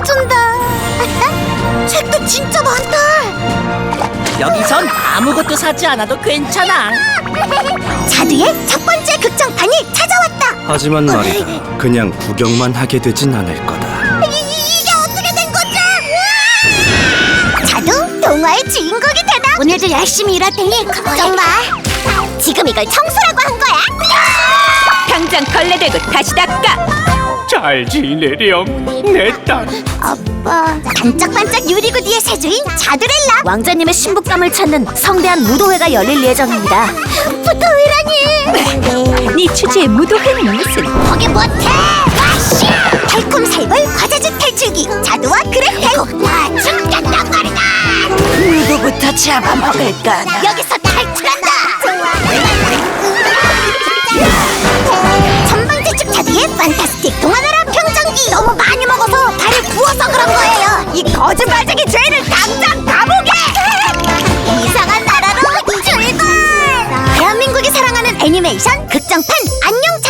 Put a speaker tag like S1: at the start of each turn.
S1: 알려준다. 책도 진짜 많다.
S2: 여기선 아무것도 사지 않아도 괜찮아.
S1: 자두의 첫 번째 극장판이 찾아왔다.
S3: 하지만 말이다, 그냥 구경만 하게 되진 않을 거다.
S1: 이게 어떻게 된 거지? 자두 동화의 주인공이 되다. 오늘도 열심히 일할 테니 걱정 마. 지금 이걸 청소라고 한 거야?
S4: 당장 걸레대고 다시 닦아.
S5: 잘 지내렴 내 딸.
S1: 아빠, 반짝반짝 유리구디의 세주인 자두렐라. 왕자님의 신부감을 찾는 성대한 무도회가 열릴 예정입니다. 무도회라니.
S4: 네 주제에 무도회는 무슨?
S1: 거기 못해. 와씨. 달콤살벌 과자주 탈출기 자두와 그레텔. 나 죽겠단 말이다.
S2: 누구부터 잡아먹을까?
S1: 여기서 탈출한다. 전방지축 자두의 판타스틱 동화나라 평정기. 너무 많이 먹어서 다리 부어서 그런 거예요. 이 거짓말쟁이 죄를 당장 감옥에. 이상한 나라로 출발. 대한민국이 사랑하는 애니메이션 극장판 안녕